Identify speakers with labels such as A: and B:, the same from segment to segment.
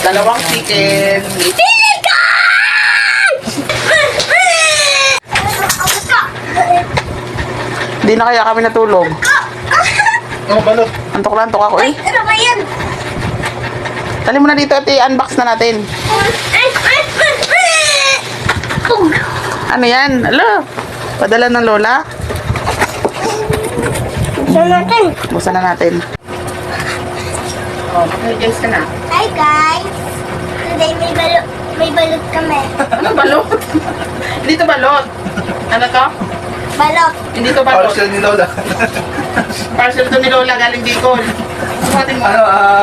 A: Dalawang chicken. Hindi na kaya kami natulog.
B: Oh, balot.
A: Antok na antok ako eh.
C: Ano ba yan?
A: Tali mo na dito at i-unbox na natin. Ano yan? Alo, padala ng lola.
C: Buksan natin.
A: Buksan na natin. Oh, mag-guys ka na.
C: Hi guys! Today may balot kami.
A: Ano balot? Hindi to balot. Ano to?
C: Balot.
A: Hindi to balot.
B: Parcel ni Lola.
A: Parcel to ni Lola galing Bicol. Sumatin mo.
B: Ano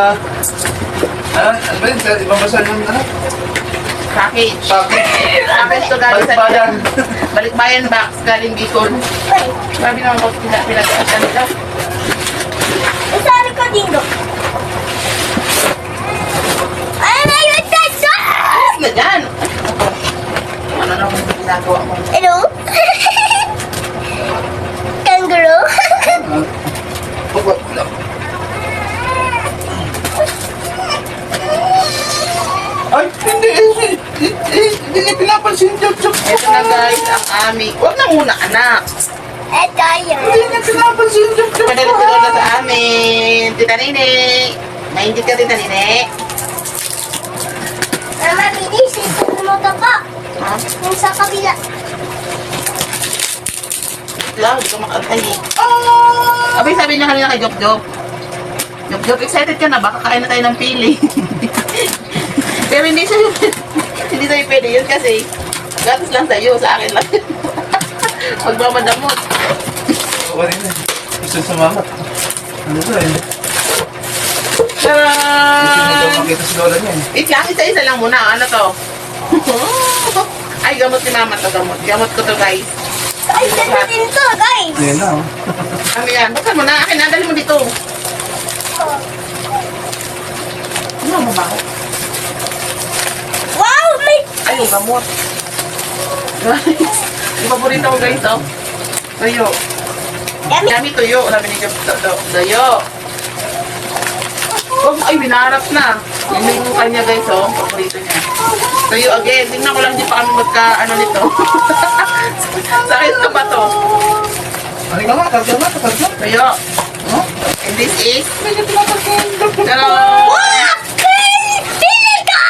B: ba yun? Ibang basa yung ano?
A: Package.
B: Package.
A: Package to galing sa
B: Balikbayan.
A: Balikbayan box galing Bicol.
C: Ay,
A: Sabi naman po pinag-asan nila.
C: isali ko dito. Ay, may wala
A: Na dyan. Ano na kung ginagawa mo?
C: Hello? Kangaroo?
B: Ay, hindi niya pinapansin. Job.
A: Ito na guys, ang aming... Huwag na muna anak.
C: Eto yun.
B: Hindi niya pinapansin. Job.
A: Padala si Lola sa amin. Tita Nene. Nainggit ka, Tita Nene.
C: Mama, bilis. Ito mo to po.
A: Ha?
C: Yung sa kabila.
A: Lang, hindi ka makatay. Abay, sabi niya kanina kay Jop Jop. Jop Jop, excited ka na? Baka kain na tayo ng pili. Pero hindi siya hindi tayo pwede yun kasi gatos lang sa'yo, sa akin lang. Magmamadamot.
B: Wala na. Gusto sumamat. Ano to eh? Gusto mo daw
A: Tadaan!
B: makita si Lola niya eh.
A: Wait lang, isa-isa lang muna. Ano to? Ay, gamot ni mama to, gamot. Gamot ko to, guys.
C: Ay, ganda din to, guys.
B: Ayan na oh.
A: Ano yan? Buksan mo na. Akin na, dali mo dito. Ano ang mabaho?
C: Wow, may...
A: Ay, yung gamot. Guys, yung paborito ko, guys, oh. Tuyo.
C: Yummy.
A: Yummy tuyo. Sabi ni Jop, tuyo. Oh, ay, binarap na. Yun yung kanya, guys, oh. Paborito niya. Tuyo again. Tingnan ko lang, di pa kami ano nito. Sakit na ba to?
B: Ano ka nga? Tatlo.
A: Tuyo. Oh? And this is...
B: Hindi niya pinapansin. Job.
A: Tadaan!
C: Wow! Pili ka!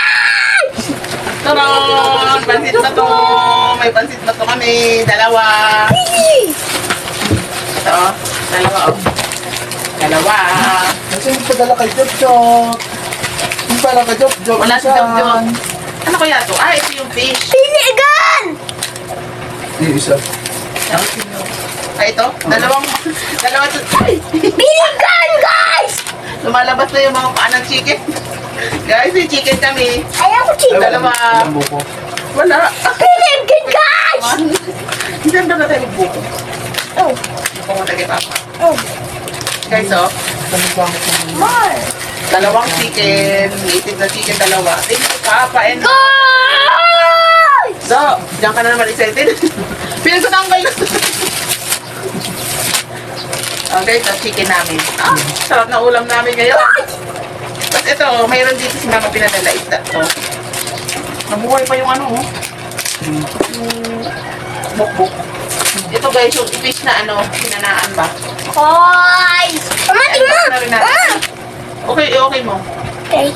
A: Taron! Pansit na to! May pansit na to kami. Dalawa.
C: Pili!
A: Ito, oh. Dalawa, oh. Dalawa.
B: Kasi magpadala kay Job. Hindi pala kay Job.
A: Wala si Jop Jop. Ano kaya to? Ah, ito yung fish.
C: Pili gan!
B: Hindi, isa.
A: Ah, ito? Dalawa to. Ay!
C: Pili gan, guys!
A: Lumalabas na yung mga paa ng chicken. Guys, may chicken kami.
C: Ayaw ko chicken.
A: Dalawa.
B: Ilang buko.
A: Wala.
C: Pili gan, guys!
A: Hindi na tayo magbuko.
C: Oh,
A: Buko mo tayo kay Papa.
C: oh.
A: Guys, oh.
C: More.
A: Dalawang chicken. Native na chicken, dalawa. Thank you, Papa. And
C: Guys!
A: so, diyan ka na naman excited. Pinagtatanggal na. Okay, ito chicken namin. Ah, sarap na ulam namin ngayon. Tapos ito, mayroon dito si Mama pinadala isda. Oh. Nabuhay pa yung ano, oh. Yung bukbuk. Ito guys, yung fish na ano, pinanaan ba?
C: Guys! Mama,
A: I-unbox
C: tingnan!
A: na rin natin.
C: Mama!
A: Okay mo.
C: Okay.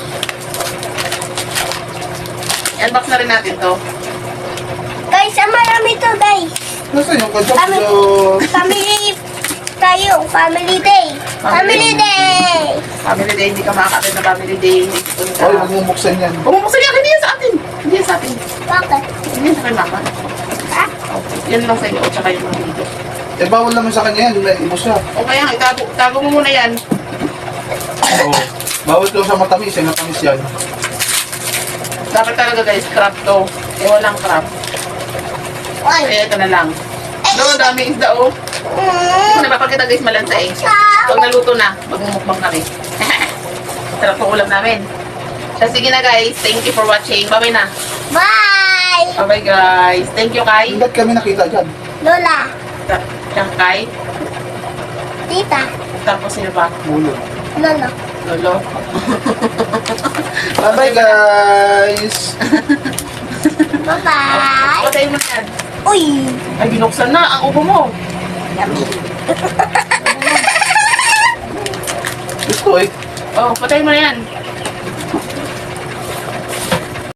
A: I-unbox na rin natin to.
C: Guys, ang marami to, guys.
B: Nasaan yung kay Job?
C: Family tayo. Family day. Family day.
A: Family day, hindi ka makakapit na family day.
B: Ay, magmumuksan yan.
A: Bumubuksan yan, hindi yan sa atin. Hindi yan sa atin.
C: Bakit?
A: Hindi yan sa kay Mama.
C: Ha?
A: Okay. Yan lang sa inyo, tsaka yung mga dito.
B: Eh, bawal naman sa kanya yan. May ibo siya.
A: O kaya, itago mo muna yan.
B: Oo. Bawal daw sa matamis. Eh, matamis yan.
A: Dapat talaga guys, crab to. Eh, walang crab.
C: Ay.
A: Kaya ito na lang. Doon, daming isda oh. Kung napapakita guys, malansa eh. Pag naluto na, magmumukbang kami. Sarap ang ulam namin. So, sige na guys, thank you for watching. Bye-bye na.
C: Bye!
A: Bye-bye guys. Thank you kay.
B: Ba't kami nakita dyan?
C: Lola.
A: Kay.
C: Tita.
A: Tapos sino ba?
B: Mulo.
C: Lolo.
A: Lolo.
B: Bye-bye, guys.
C: Bye-bye.
A: Patay mo na yan.
C: Uy!
A: Ay, binuksan na ang upo mo.
C: Yummy.
B: Gusto eh.
A: Oh, patay mo na yan.